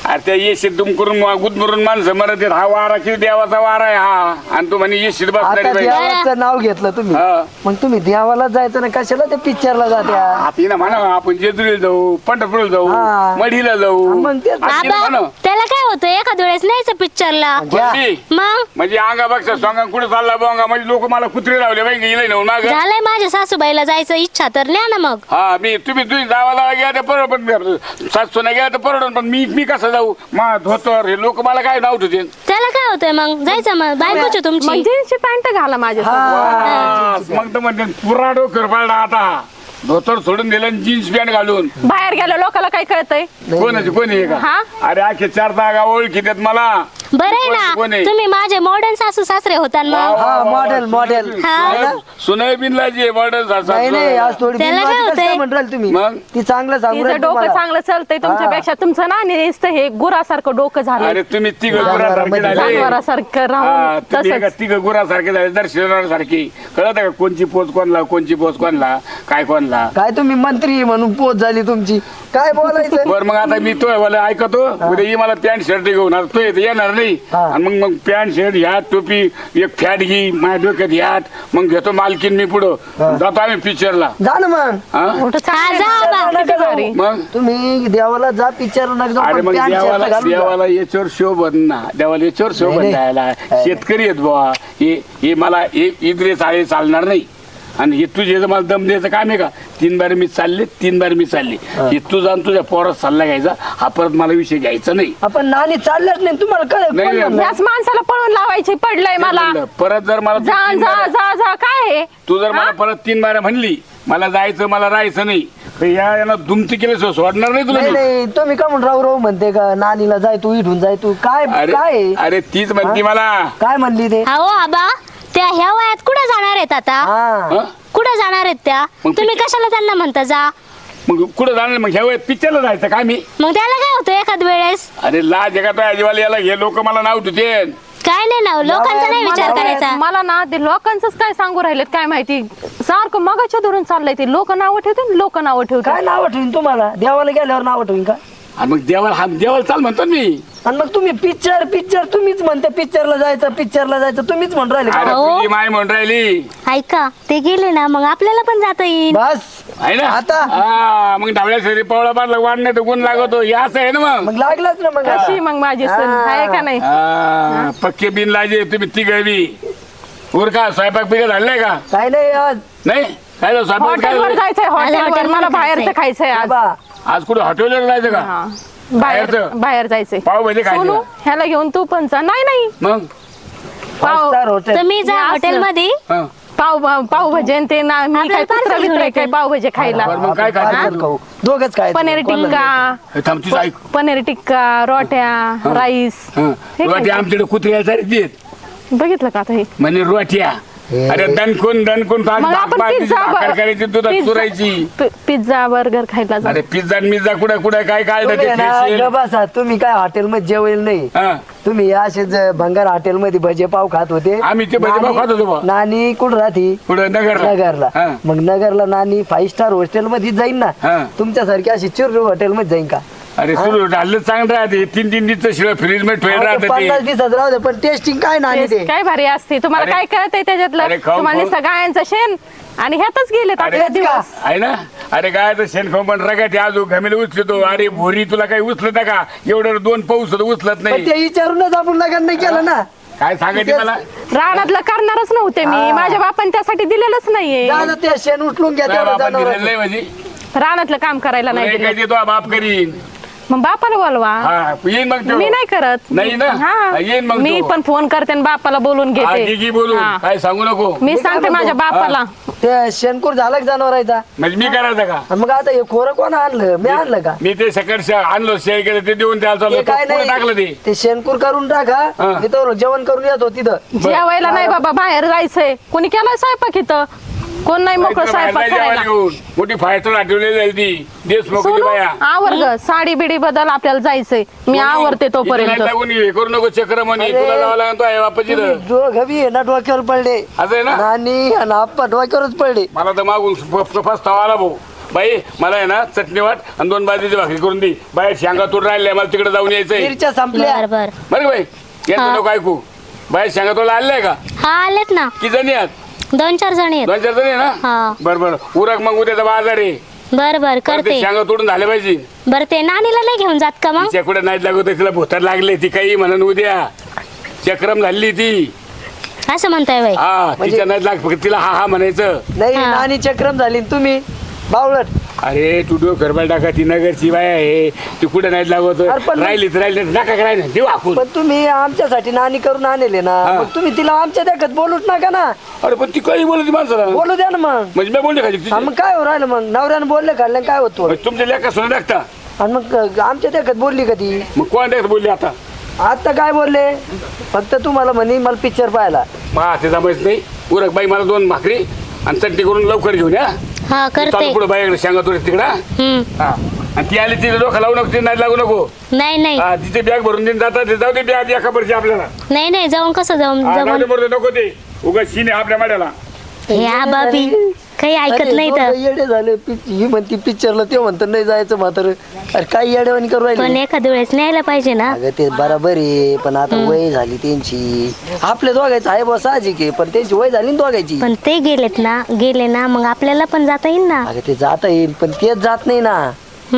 Speaker 1: अरे त्या येशीत दुमकरून गुदमरून माणसं मरत आहेत. हा वारा किती देवाचा वारा आहे हा, आणि तू म्हणे येशीत
Speaker 2: आता
Speaker 1: बसणारी बाई.
Speaker 2: देवाचं नाव घेतलं तुम्ही
Speaker 1: हा.
Speaker 2: मग तुम्ही देवाला जायचं ना कशाला त्या पिक्चरला जात्या
Speaker 1: आता ना म्हणा आपण जेजुरीला जाऊ, पंढरपूरला जाऊ,
Speaker 2: हा.
Speaker 1: मढीला जाऊ.
Speaker 2: मग तेच.
Speaker 1: आता तिला
Speaker 3: आबा
Speaker 1: म्हणा.
Speaker 3: त्याला काय होतं एखाद वेळेस न्यायचं पिक्चरला
Speaker 2: घ्या.
Speaker 1: कोणती?
Speaker 3: मग
Speaker 1: म्हणजे अंगापेक्षा सोंगा कुठे चालला बोंगा म्हणजे लोक मला कुत्रे लावले बाई गेले ना माग.
Speaker 3: झालंय माझ्या सासूबाईला जायचं इच्छा तर न्या ना मग.
Speaker 1: हा तुम्ही जावा गेला तर परवड, सासूना गेला तर परवड, पण मी कसं जाऊ? मा धोतर हे लोक मला काय नाव ठेवतील.
Speaker 3: त्याला काय होतंय मग जायचं मग बायकोची
Speaker 4: मग
Speaker 3: तुमची.
Speaker 4: जीन्सची पॅन्ट घाला माझ्या
Speaker 1: मग तर म्हणते पुरा डोकर पाडला आता, धोतर सोडून दिलं जीन्स पॅन्ट घालून.
Speaker 4: बाहेर गेल्या लोकांना काय कळतंय?
Speaker 1: कोणाची कोणी आहे का?
Speaker 4: हा?
Speaker 1: अरे आखे 4 जागा ओळखी देत मला.
Speaker 3: बरं आहे
Speaker 1: कोण
Speaker 3: ना
Speaker 1: आहे?
Speaker 3: तुम्ही माझे मॉडर्न सासू सासरे होता मग.
Speaker 2: हा मॉडेल
Speaker 3: हा.
Speaker 1: सुनय बिनलाची मॉडर्न
Speaker 2: नाही नाही आज थोडी
Speaker 3: त्याला काय
Speaker 2: बिनवाजी कसं
Speaker 3: होतंय?
Speaker 2: काय म्हणताल तुम्ही
Speaker 1: मग?
Speaker 2: ती चांगलं सांगू
Speaker 4: तिचं
Speaker 2: राहील
Speaker 4: डोकं
Speaker 2: तुम्हाला.
Speaker 4: चांगलं चालतंय तुमच्यापेक्षा. तुमचं ना नुसतं हे गुरासारखं डोकं झालं.
Speaker 1: अरे तुम्ही तिघ गुरासारखे झाले.
Speaker 4: जनावरासारखं
Speaker 1: हा,
Speaker 4: राहून
Speaker 1: तुम्ही एका
Speaker 4: तसंच.
Speaker 1: तिघ गुरासारखे झाले, दर्शनासारखी. कळत का कोणची पोच कोणला, कोणची पोच कोणला, काय कोणला.
Speaker 2: काय तुम्ही मंत्री म्हणून पोच झाली तुमची काय बोलायचं
Speaker 1: बर मग आता मी तो मला ऐकतो, उद्या ये मला पॅन्ट शर्ट घेऊन आता तो येणार नाही.
Speaker 2: हा.
Speaker 1: आणि मग पॅन्ट शर्ट ह्यात टोपी एक फॅट घे माझ्या डोक्यात ह्यात, मग घेतो मालकीन मी पुढं जातो आम्ही पिक्चरला.
Speaker 2: जा ना मग
Speaker 1: हा?
Speaker 4: मोठं चांगलं
Speaker 3: जा
Speaker 4: आहे.
Speaker 3: बा.
Speaker 4: किती भारी.
Speaker 1: मग
Speaker 2: तुम्ही देवाला जा पिक्चर
Speaker 1: अरे मग देवाला याच्यावर शोभन ना, देवाला याच्यावर शोभन
Speaker 2: नाही.
Speaker 1: द्यायला. शेतकरी आहेत बुवा, हे मला इकडे चाळे चालणार नाही. आणि हे तुझे जर मला दम द्यायचं काम आहे का? 3 बार मी चालले. हे तुझा आणि तुझ्या पोरात सल्ला घ्यायचा, हा परत मला विषय घ्यायचा नाही.
Speaker 2: आपण नाणी चाललंच नाही तुम्हाला काय
Speaker 1: नाही,
Speaker 2: कोण
Speaker 1: नाही.
Speaker 2: म्हणलं?
Speaker 4: याच माणसाला पळून लावायची पडलंय मला.
Speaker 1: परत जर मला
Speaker 4: जा जा जा जा काय आहे?
Speaker 1: तू जर मला परत 3 बार म्हणली मला जायचं मला राहायचं नाही, तर याला दुमती केल्याशिवाय सोडणार नाही तुला
Speaker 2: नाही
Speaker 1: मी.
Speaker 2: नाही तुम्ही का म्हणून राहू म्हणते का नानीला जाय तू इथून जाय तू काय काय
Speaker 1: अरे अरे तीच म्हणती मला.
Speaker 2: काय म्हणली ते
Speaker 3: हो आबा त्या ह्या वयात कुठे जाणार आहेत आता?
Speaker 2: हा
Speaker 1: हं?
Speaker 3: कुठे जाणार आहेत त्या?
Speaker 1: मग
Speaker 3: तुम्ही कशाला त्यांना म्हणता जा?
Speaker 1: मग कुठं जाणार? मग ह्या वेळेत पिक्चरला जायचं का मी?
Speaker 3: मग त्याला काय होतं एखाद वेळेस?
Speaker 1: अरे लाज जगात अजिबाला याला हे लोक मला नाव ठेवते.
Speaker 3: काय नाही ना लोकांचा नाही विचार करायचा.
Speaker 4: मला ना ते लोकांचंच काय सांगू राहिलेत काय माहिती. सारखं मगाच्या धरून चाललंय ते. लोक नावं ठेवते, लोक नावं
Speaker 2: काय
Speaker 4: ठेवतात.
Speaker 2: नाव ठेवीन तुम्हाला देवाला गेल्यावर नाव ठेवीन का?
Speaker 1: आणि मग देवाला चाल म्हणतो ना मी.
Speaker 2: आणि मग तुम्ही पिक्चर तुम्हीच म्हणते पिक्चरला जायचं तुम्हीच म्हणून राहिले का?
Speaker 1: अरे
Speaker 3: हो.
Speaker 1: तुझी माय म्हणून राहिली
Speaker 3: ऐका ते गेले ना मग आपल्याला पण जाता येईल.
Speaker 2: बस
Speaker 1: आहे ना
Speaker 2: आता?
Speaker 1: हा, मग ढावळ्या शरीर पावळा बांधला वाढण्यात गुण लागतो हे असं आहे ना मग.
Speaker 2: मग लागलाच ना मग
Speaker 4: कशी मग माझी सून आहे का नाही?
Speaker 1: हा, पक्के बिन लाजे तुम्ही तिघवी उर का स्वयंपाक पिकं झालाय का?
Speaker 2: काय नाही आज
Speaker 1: नाही काय झालं, स्वयंपाक काय
Speaker 4: हॉटेलवर
Speaker 1: झालं?
Speaker 4: जायचंय हॉटेलवर.
Speaker 3: हॉटेलवर
Speaker 4: मला बाहेरचं
Speaker 3: जायचंय.
Speaker 4: खायचंय आज.
Speaker 2: बा
Speaker 1: आज कुठे हॉटेलवर जायचं का?
Speaker 4: हा. बाहेर
Speaker 1: बाहेरचं?
Speaker 4: बाहेर जायचंय.
Speaker 1: पावभाजी खायची
Speaker 4: सोनू
Speaker 1: का?
Speaker 4: ह्याला घेऊन तू पण जा. नाही
Speaker 1: मग
Speaker 4: पाव
Speaker 2: स्टार हॉटेल
Speaker 3: तुम्ही जा
Speaker 4: हे असं.
Speaker 3: हॉटेलमध्ये.
Speaker 1: हा.
Speaker 4: पावभाजी आणि ते ना मी
Speaker 3: आपल्याला
Speaker 4: काय कुत्रा
Speaker 3: parcel
Speaker 4: बित्र
Speaker 3: घेऊन
Speaker 4: काय
Speaker 3: येते.
Speaker 4: पावभाजी खायला.
Speaker 1: बरं, मग काय खायचं?
Speaker 2: खाऊ दोघच काय
Speaker 4: पनीर टिक्का
Speaker 1: हे थांब तुझं ऐक.
Speaker 4: पनीर टिक्का रोट्या राईस
Speaker 1: हा.
Speaker 4: हे
Speaker 1: रोटी
Speaker 4: खायचं.
Speaker 1: आमच्याकडे कुत्र्या देत
Speaker 4: बघितलं का आता हे?
Speaker 1: म्हणजे रोट्या. अरे दणकून
Speaker 4: मग आपण
Speaker 1: भाकर करायची दुधात चुरायची.
Speaker 4: पिझ्झा बर्गर खायला जाऊ.
Speaker 1: अरे पिझ्झा मिझ्झा कुठे काय
Speaker 2: बसा तुम्ही काय हॉटेल मध्ये जेवेल नाही तुम्ही असेच भंगार हॉटेल मध्ये भजे पाव खात होते.
Speaker 1: आम्ही ते भजे पाव खात होतो बा.
Speaker 2: नानी कुठं राहते?
Speaker 1: कुठं नगरला.
Speaker 2: नगरला.
Speaker 1: हा.
Speaker 2: मग नगरला नानी 5 स्टार हॉटेल मध्ये जाईन ना
Speaker 1: हा.
Speaker 2: तुमच्यासारखी अशी चिरू हॉटेल मध्ये जाईन का?
Speaker 1: अरे सुरू झालं चांगलं राहते 3 दिवस शिवाय फ्रीज मध्ये ठेवलं राहतं
Speaker 2: 50
Speaker 1: ते.
Speaker 2: दिवसात राहू दे पण टेस्टिंग काय नानी
Speaker 4: तेच
Speaker 2: ते
Speaker 4: काय भारी असते. तुम्हाला
Speaker 1: अरे-
Speaker 4: काय कळतंय त्याच्यातलं?
Speaker 1: अरे खाऊन-
Speaker 4: तुम्हाला नुसतं गायांचं शेण आणि ह्यातच गेलेत
Speaker 1: अरे
Speaker 4: आपले दिवस.
Speaker 1: आहे ना. अरे काय शेण खाऊन पण रगाटे आजू घमेले उचलतो. अरे भोरी तुला काही उचलत का? एवढं 2 पाऊस उचलत
Speaker 2: पण
Speaker 1: नाही.
Speaker 2: ते विचारूनच आपण लग्न नाही केलं ना.
Speaker 1: काय सांगायचे मला?
Speaker 4: रानातलं करणारच नव्हते मी.
Speaker 2: हा.
Speaker 4: माझ्या बापाने त्यासाठी दिलेलंच नाहीये.
Speaker 2: जा ना ते शेण उचलून घ्या
Speaker 1: तुझ्या
Speaker 2: तेवढं
Speaker 1: बापाने दिलेलं
Speaker 2: जनावरांचं.
Speaker 1: नाही म्हणजे
Speaker 4: रानातलं काम करायला नाही
Speaker 1: तुला
Speaker 4: दिलं.
Speaker 1: काय देतो बाप करीन.
Speaker 4: मग बापाला बोलवा.
Speaker 1: हा येईन मग तो.
Speaker 4: मी नाही करत.
Speaker 1: नाही ना?
Speaker 4: हा.
Speaker 1: येईन मग
Speaker 4: मी
Speaker 1: तो.
Speaker 4: पण फोन करते आणि बापाला बोलून
Speaker 1: हा,
Speaker 4: घेते.
Speaker 1: घे बोलू
Speaker 4: हा.
Speaker 1: काय सांगू नको.
Speaker 4: मी
Speaker 2: मी काय
Speaker 4: सांगते माझ्या
Speaker 2: म्हणतो?
Speaker 4: बापाला.
Speaker 2: ते शेणकूर झालं का जनावरांचा?
Speaker 1: म्हणजे मी करायचं का?
Speaker 2: आणि मग आता हे खोरं कोण आणलं? मी आणलं का?
Speaker 1: मी ते सकाळी आणलो शेअर केलं ते देऊन त्याला चाललो.
Speaker 2: ते काय
Speaker 1: कोणी टाकलं ते?
Speaker 2: नाही ते शेणकूर करून
Speaker 1: हा.
Speaker 2: टाका मी तर जेवण करून येतो तिथं.
Speaker 4: जेवायला नाही बाबा बाहेर जायचंय. कोणी केलाय स्वयंपाक इथं? कोण नाही मोकळं
Speaker 1: बाहेर
Speaker 4: स्वयंपाक
Speaker 1: जायचं
Speaker 4: करायला.
Speaker 1: घेऊन. मोठी फायटर आठवली जाईल ती देशमुख
Speaker 4: सोनू
Speaker 1: बाया.
Speaker 4: आवर ग. साडी बिडी बदल आपल्याला जायचंय. मी आवरते तोपर्यंत.
Speaker 1: इथे नाही लागून हे करू नको चक्र म्हणे
Speaker 2: अरे.
Speaker 1: तुला जावं लागतो आहे बापाची
Speaker 2: तुम्ही दोघं बी आहे ना डोक्यावर पडले.
Speaker 1: असं आहे ना.
Speaker 2: नानी आणि आप्पा डोक्यावरच पडले.
Speaker 1: मला तर मागून फसतावा आला भाऊ. बाई मला आहे ना चटणी वाट आणि 2 बाजरीची भाकरी करून दे. बाई शेंगा तोड राहिले मला तिकडे जाऊन यायचंय.
Speaker 2: मिरच्या संपल्या.
Speaker 3: बर बर
Speaker 1: बरं का बाई यांचं नको ऐकू. बाई शेंगा तोडला आलाय का?
Speaker 3: हा आलेत ना,
Speaker 1: किती जणी आहात?
Speaker 3: 2-4 जणी आहेत.
Speaker 1: 2-4 जणी आहे ना?
Speaker 3: हा
Speaker 1: बरं बरं उरक मग उद्याचा बाजार आहे.
Speaker 3: बर बर
Speaker 1: ते
Speaker 3: करते.
Speaker 1: शेंगा तोडून झाले पाहिजे.
Speaker 3: बर ते नानीला नाही घेऊन जात का मग?
Speaker 1: तिच्या कुठे नाही लागत तिला भोतर लागले ती काही म्हणून उद्या चक्रम झाली ती.
Speaker 3: असं म्हणताय बाई?
Speaker 1: हा तिच्या नाही लाग फक्त तिला हा हा म्हणायचं.
Speaker 2: नाही
Speaker 3: हा.
Speaker 2: नानी चक्रम झाली न तुम्ही बावळट.
Speaker 1: अरे तू गरबा टाका ती नगरची बाय आहे ती कुठे नाही लागत
Speaker 2: अरे पण-
Speaker 1: राहिली तर राहिली नका करायला देऊ आपण.
Speaker 2: पण तुम्ही आमच्यासाठी नानी करून आणले ना,
Speaker 1: हा.
Speaker 2: मग तुम्ही तिला आमच्या देखत बोलूच नका ना.
Speaker 1: अरे पण ती काही बोलत माणसाला
Speaker 2: बोलू द्या ना मग.
Speaker 1: म्हणजे मी बोलले खाली
Speaker 2: हा, मग काय हो राहिलं मग नवऱ्यानं बोलले काढलं काय होतो
Speaker 1: तुमच्या लेखा सुद्धा टाकता
Speaker 2: आणि मग आमच्या देखत बोलली कधी.
Speaker 1: मग कोण टाकत बोलली आता
Speaker 2: आता काय बोलले फक्त तुम्हाला म्हणे मला पिक्चर पाहायला.
Speaker 1: मग ते जमायच नाही उरक बाई मला 2 भाकरी आणि चटणी करून लवकर घेऊन या.
Speaker 3: हा करते.
Speaker 1: चालू पुढे बाईकडे शेंगा तोड तिकडा. हा आणि ती आली तिथे डोखा लावू नको ती नाही लागू नको.
Speaker 3: नाही नाही
Speaker 1: हा तिथे बॅग भरून देऊन जातात जाऊ दे बॅग एका वर्षी आपल्याला.
Speaker 3: नाही नाही जाऊन कसं जाऊन
Speaker 1: हा,
Speaker 3: जाऊन
Speaker 1: जाऊ दे बरं, नको ते उगाच शिने आपल्या माड्याला.
Speaker 3: ह्या बाबी काही ऐकत
Speaker 2: अरे,
Speaker 3: नाही
Speaker 2: दोघं
Speaker 3: तर.
Speaker 2: येडे झाले. ही म्हणती पिक्चरला ते म्हणतं नाही जायचं म्हातारं. अरे काय येडेवानी करू
Speaker 3: पण
Speaker 2: राहिले.
Speaker 3: एखाद्या वेळेस न्यायला पाहिजे ना.
Speaker 2: अगं ते बरोबर आहे पण आता वय झाली त्यांची. आपल्या दोघायचं आहे बस साहजिक आहे पण त्यांची वय झाली ना दोघायची.
Speaker 3: पण ते गेले ना मग आपल्याला पण जाता येईल ना.
Speaker 2: अगं ते जाता येईल पण तेच जात नाही ना.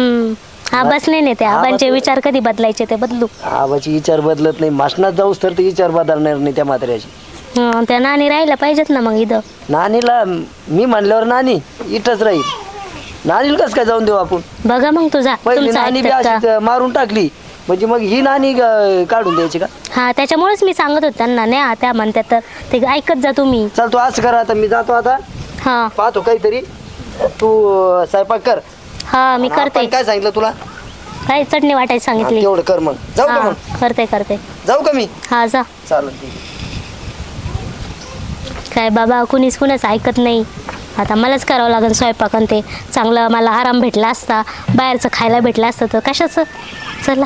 Speaker 3: आबाच नाही नेते. आबांचे विचार कधी बदलायचे ते बदलू.
Speaker 2: आबाची विचार बदलत नाही. मासनात जाऊस तर ते विचार बदलणार नाही त्या म्हाताऱ्याची.
Speaker 3: त्या नानी राहायला पाहिजेत ना मग इथं.
Speaker 2: नानीला मी म्हणल्यावर नानी इथंच राहील. नानीला कसं काय जाऊन देऊ आपण.
Speaker 3: बघा मग तुझा
Speaker 2: पहिली
Speaker 3: तुमचं
Speaker 2: नानी बी
Speaker 3: ऐकतात का?
Speaker 2: अशीच मारून टाकली म्हणजे मग ही नानी काढून द्यायची का.
Speaker 3: हा त्याच्यामुळेच मी सांगत होत त्यांना नाही त्या म्हणतात तर ते ऐकत जा तुम्ही.
Speaker 2: चल तू असं करा आता मी जातो आता
Speaker 3: हा
Speaker 2: पाहतो काहीतरी. तू स्वयंपाक कर.
Speaker 3: हा मी
Speaker 2: आपण
Speaker 3: करते.
Speaker 2: काय सांगितलं तुला.
Speaker 3: काय चटणी वाटायची सांगितली.
Speaker 2: तेवढं कर मग. जाऊ का
Speaker 3: हा
Speaker 2: मग.
Speaker 3: करते
Speaker 2: जाऊ का मी.
Speaker 3: हा जा.
Speaker 2: चालेल ठीक आहे.
Speaker 3: काय बाबा कुणीच ऐकत नाही. आता मलाच करावं लागेल स्वयंपाक आणि ते चांगलं मला आराम भेटला असता बाहेरचं खायला भेटलं असतं तर कशाचं. चला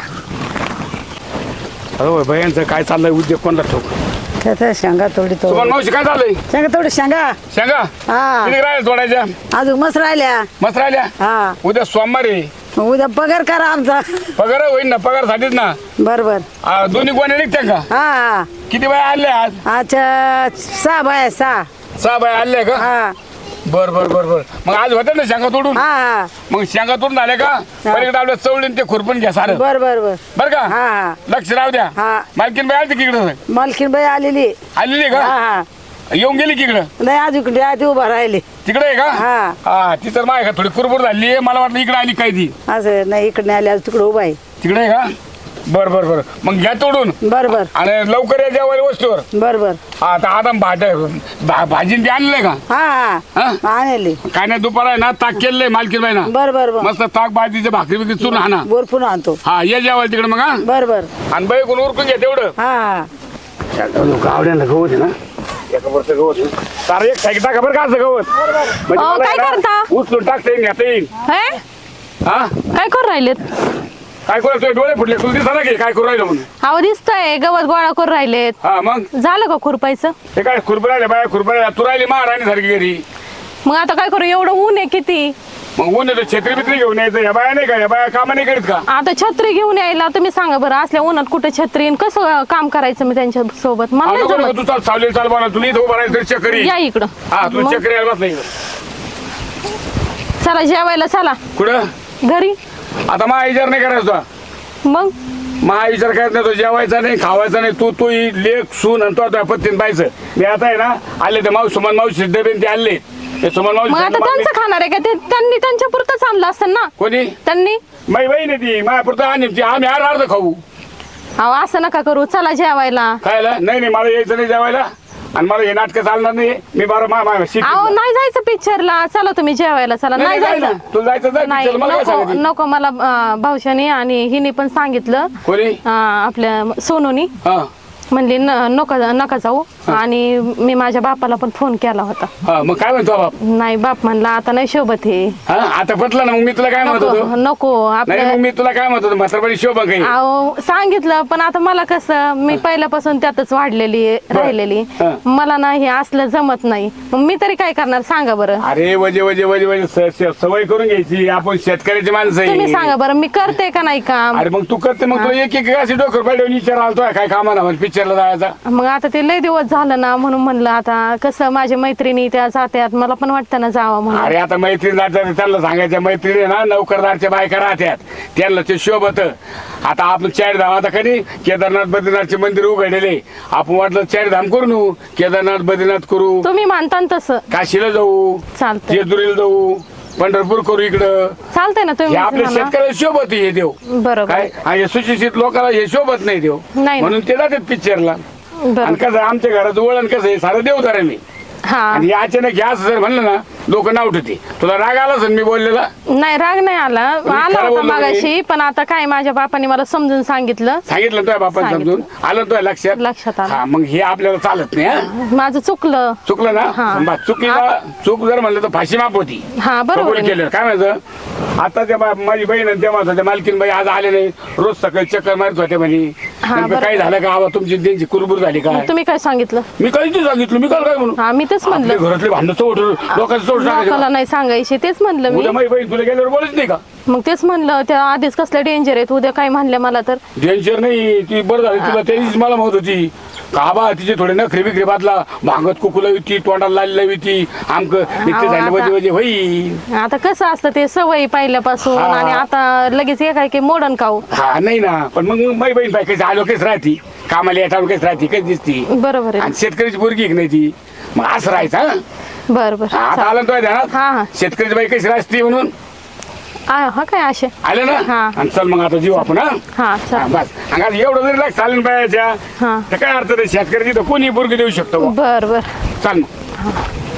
Speaker 1: हो बायांचं काय चाललंय उद्योग कोणता ठोक.
Speaker 5: त्याचा शेंगा तोडी तो
Speaker 1: तुम्हाला मावशी काय चाललंय
Speaker 5: शेंगा तोडी शेंगा
Speaker 1: शेंगा
Speaker 5: हा.
Speaker 1: किती राहिल्या तोडायच्या?
Speaker 5: अजून मस्त राहिल्या.
Speaker 1: मस्त राहिल्या.
Speaker 5: हा
Speaker 1: उद्या सोमवारी
Speaker 5: मग उद्या पगार करा आमचा.
Speaker 1: पगार होईल ना पगारसाठीच ना.
Speaker 5: बरोबर.
Speaker 1: दोन्ही कोणी निघत्या का?
Speaker 5: हा
Speaker 1: किती बाया आल्या आज?
Speaker 5: अच्छा 6 बाया 6.
Speaker 1: 6 बाया आल्या का?
Speaker 5: हा
Speaker 1: बर मग आज होत्या ना शेंगा तोडून.
Speaker 5: हा
Speaker 1: मग शेंगा तोडून झाले का पलीकडे आपल्या चवळीन ते खुरपून घ्या सारं.
Speaker 5: बर
Speaker 1: बर का
Speaker 5: हा हा
Speaker 1: लक्ष राहू द्या.
Speaker 5: हा.
Speaker 1: मालकीन बाई आली तिकडे
Speaker 5: मालकीन बाई आलेली.
Speaker 1: आलेली
Speaker 5: हा
Speaker 1: का?
Speaker 5: हा
Speaker 1: येऊन गेली की इकडं
Speaker 5: नाही अजून आधी उभा राहिली.
Speaker 1: तिकडे आहे का?
Speaker 5: हा.
Speaker 1: हा ती तर माय का थोडी कुरबुर झाली आहे मला वाटलं इकडे आली काय ती
Speaker 5: असं नाही इकडे नाही आली आज तिकडे उभा आहे.
Speaker 1: तिकडे आहे का? बर मग घ्या तोडून
Speaker 5: बरोबर
Speaker 1: आणि लवकर या जेवायला वस्तूवर.
Speaker 5: बरोबर.
Speaker 1: आता भाजीन ते आणलंय का?
Speaker 5: हा
Speaker 1: हा?
Speaker 5: हा आणली.
Speaker 1: काय नाही दुपार आहे ना ताक केलंय मालकीन बाई ना
Speaker 5: बरोबर
Speaker 1: मस्त ताक भाजीचे भाकरी बिकरी चून हा ना.
Speaker 5: बोरपून आणतो.
Speaker 1: हा ये जेवायला तिकडे मग हा
Speaker 5: बरोबर.
Speaker 1: आणि बाई कोण उरकून घ्या तेवढं.
Speaker 5: हा
Speaker 1: लोक आवड्याला गवत आहे ना एका वरचं गवत आहे. सारं एक साईड टाका बरं का असं गवत म्हणजे मला
Speaker 4: काय
Speaker 1: आहे ना,
Speaker 4: करता?
Speaker 1: उचलून टाकता येईल घेता येईल.
Speaker 4: हे?
Speaker 1: हा
Speaker 4: काय करू राहिलेत?
Speaker 1: काय करू तुझे डोळे फुटले तुला दिसा ना की काय करू राहिलं म्हणून.
Speaker 4: अहो दिसतंय गवत गोळा करून राहिलेत.
Speaker 1: हा मग
Speaker 4: झालं का खुरपायचं?
Speaker 1: ते काय खुरपरायला बाया खुरपरायला तू राहिली महाराणी सारखी घरी.
Speaker 4: मग आता काय करू एवढं ऊन आहे किती.
Speaker 1: मग ऊन येतो छत्री बित्री घेऊन यायचं या बाया नाही का या बाया कामा नाही करीत का?
Speaker 4: आता छत्री घेऊन यायला तुम्ही सांगा बरं असल्या उन्हात कुठे छत्री आणि कसं काम करायचं मी त्यांच्या सोबत मला नाही
Speaker 1: नको नको,
Speaker 4: जमत.
Speaker 1: तू चाल सावलेल चाल बोला तुला इथं उभं राहायचं तरी चक्करी.
Speaker 4: या इकडं.
Speaker 1: हा तू
Speaker 4: मग?
Speaker 1: चक्करी यायला बसला इकडं.
Speaker 4: चला जेवायला चला
Speaker 1: कुठं
Speaker 4: घरी.
Speaker 1: आता मा विचार नाही करायचा
Speaker 4: मग
Speaker 1: मा विचार करत नाही तो जेवायचा नाही खावायचा नाही तू लेख सून आणि तो पत्तीन पाहायचं. मी आता आहे ना आले ते मावशी सुमन मावशी डबे ते आणले ते सुमन
Speaker 4: मग आता
Speaker 1: मावशी
Speaker 4: त्यांचं खाणार आहे का ते त्यांनी त्यांच्या पुरतच आणलं असतं ना.
Speaker 1: कोणी
Speaker 4: त्यांनी
Speaker 1: माई बहीण आहे ती माझ्यापुरतं आणि ती आम्ही अर्ध खाऊ.
Speaker 4: अहो असं नका करू चला जेवायला.
Speaker 1: खायला नाही मला यायचं नाही जेवायला आणि मला हे नाटकं चालणार नाही. मी बरं
Speaker 4: अहो नाही जायचं पिक्चरला. चला तुम्ही जेवायला चला. नाही जायचं.
Speaker 1: तुला जायचं
Speaker 4: नाही
Speaker 1: जायचं मला काय
Speaker 4: नको
Speaker 1: सांगायचं?
Speaker 4: नको मला भाऊशाने आणि हिने पण सांगितलं
Speaker 1: कोणी
Speaker 4: आपल्या सोनूनी
Speaker 1: हा
Speaker 4: म्हणली नका जाऊ आणि मी माझ्या बापाला पण फोन केला होता.
Speaker 1: हा, मग काय म्हणतो बाप?
Speaker 4: नाही बाप म्हणला आता नाही शोभत हे.
Speaker 1: हा, आता पटलं ना. मग मी तुला काय म्हणत होतो?
Speaker 4: नको
Speaker 1: नाही,
Speaker 4: आपल्या
Speaker 1: मग मी तुला काय म्हणत होतो? म्हातारपणी शोभा काही.
Speaker 4: अहो सांगितलं पण आता मला कसं मी पहिल्यापासून त्यातच वाढलेली राहिलेली.
Speaker 1: हा.
Speaker 4: मला ना हे असलं जमत नाही. मग मी तरी काय करणार सांगा बरं.
Speaker 1: अरे वजे वजे वजे वजे सवय करून घ्यायची. आपण शेतकऱ्याची माणसं
Speaker 4: तुम्ही
Speaker 1: आहे.
Speaker 4: सांगा बरं मी करते का नाही काम.
Speaker 1: अरे मग तू करते. मग तुला एक एक अशी डोकर पाडून विचार आलतोय काय कामाला पिक्चरला जायचा.
Speaker 4: मग आता ते लय दिवस झालं ना म्हणून म्हणलं आता कसं माझ्या मैत्रिणी त्या जात्यात मला पण वाटतं ना जावं म्हणून.
Speaker 1: अरे आता मैत्रीण जातात त्यांना सांगायच्या मैत्रिणी ना नोकरदारच्या बायका राहत्यात त्यांना ते शोभत. आता आपण चारधाम आता कधी केदारनाथ बद्रीनाथचे मंदिर उघडलेले. आपण वाटलं चारधाम करू नू केदारनाथ बद्रीनाथ करू,
Speaker 4: तुम्ही मानता ना तसं
Speaker 1: काशीला जाऊ,
Speaker 4: चालतंय
Speaker 1: जेजुरीला जाऊ, पंढरपूर करू इकडं.
Speaker 4: चालतंय ना
Speaker 1: हे
Speaker 4: तुम्ही
Speaker 1: आपल्या
Speaker 4: म्हणा.
Speaker 1: शेतकऱ्याला शोभत हे देव
Speaker 4: बरोबर
Speaker 1: काय. आणि सुशिक्षित लोकांना हे शोभत नाही देव
Speaker 4: नाही.
Speaker 1: म्हणून ते जातात पिक्चरला. आणि
Speaker 4: बरोबर
Speaker 1: कसं आमच्या घराचं वळण कसं आहे सारं देवदाराने.
Speaker 4: हा
Speaker 1: आणि हे अचानक हे असं जर म्हणलं ना लोक नाव ठेवते. तुला राग आला असेल मी बोललेला?
Speaker 4: नाही राग नाही आला आला
Speaker 1: खरं
Speaker 4: होता
Speaker 1: बोललो
Speaker 4: मागाशी पण आता काय माझ्या बापाने मला समजून सांगितलं.
Speaker 1: सांगितलं तुझ्या बापाने समजून आलं तुझ्या
Speaker 4: लक्षात
Speaker 1: लक्षात.
Speaker 4: आलं.
Speaker 1: हा मग हे आपल्याला चालत नाही. हा?
Speaker 4: माझं चुकलं.
Speaker 1: चुकलं ना.
Speaker 4: हा.
Speaker 1: बा, चुकीला चूक जर म्हणलं तर फाशी माफ होती.
Speaker 4: हा बरोबर
Speaker 1: कबूल
Speaker 4: आहे.
Speaker 1: केलं काय माहिती. आता त्या माझी बहीण आणि त्या माझ्या मालकीन बाई आज आले नाही. रोज सकाळी चक्कर मारत होते म्हणे.
Speaker 4: हा,
Speaker 1: नेमकं
Speaker 4: बरोबर.
Speaker 1: काय झालं का आबा तुमची त्यांची कुरबुर झाली का?
Speaker 4: तुम्ही काय सांगितलं.
Speaker 1: मी काहीच नाही सांगितलं. मी काल काय म्हणू
Speaker 4: हा मी तेच
Speaker 1: आपले
Speaker 4: म्हणलं
Speaker 1: घरातले भांडण चोट लोकांचं चोट
Speaker 4: लोकाला
Speaker 1: टाकायचं.
Speaker 4: नाही सांगायचे तेच म्हणलं मी.
Speaker 1: उद्या माझी बहीण तुला गेल्यावर बोलत नाही का?
Speaker 4: मग तेच म्हणलं त्या आधीच कसलं डेंजर आहे उद्या काय म्हणल्या मला तर.
Speaker 1: डेंजर नाही. ती बरं झाली तुला त्याचीच मला म्हणत होती का बा तिचे थोडे नखरे बिखरे बादला भांगत कुकूला होती तोंडाला लावली होती आमक इतके
Speaker 4: अहो,
Speaker 1: झाले
Speaker 4: आता-
Speaker 1: वजे वजे होई.
Speaker 4: आता कसं असतं ते सवयी पहिल्यापासून
Speaker 1: हा.
Speaker 4: आणि आता लगेच काय की मोडन खाऊ.
Speaker 1: हा नाही ना. पण मग माझी बहीण बाई कशी आलो कशी राहती कामाला येतात कशी राहती कशी दिसती.
Speaker 4: बरोबर आहे
Speaker 1: आणि शेतकऱ्याची पोरगी एक नाही ती. मग असं राहायचं. हा?
Speaker 4: बरं बरं
Speaker 1: आता
Speaker 4: चालेल.
Speaker 1: आलं तुझ्या ध्यानात
Speaker 4: हा हा
Speaker 1: शेतकऱ्याची बाई कशी राहते म्हणून
Speaker 4: हा काय असे
Speaker 1: आलं ना.
Speaker 4: हा.
Speaker 1: आणि चल मग आता जीव आपण. हा
Speaker 4: हा
Speaker 1: हा,
Speaker 4: चालेल.
Speaker 1: बस अंगात एवढं जरी लाग चालेल बायाच्या
Speaker 4: हा
Speaker 1: तर काय अर्थ नाही. शेतकऱ्याची तर कोणी पोरगी देऊ शकतो.
Speaker 4: बर बर
Speaker 1: चाल मग.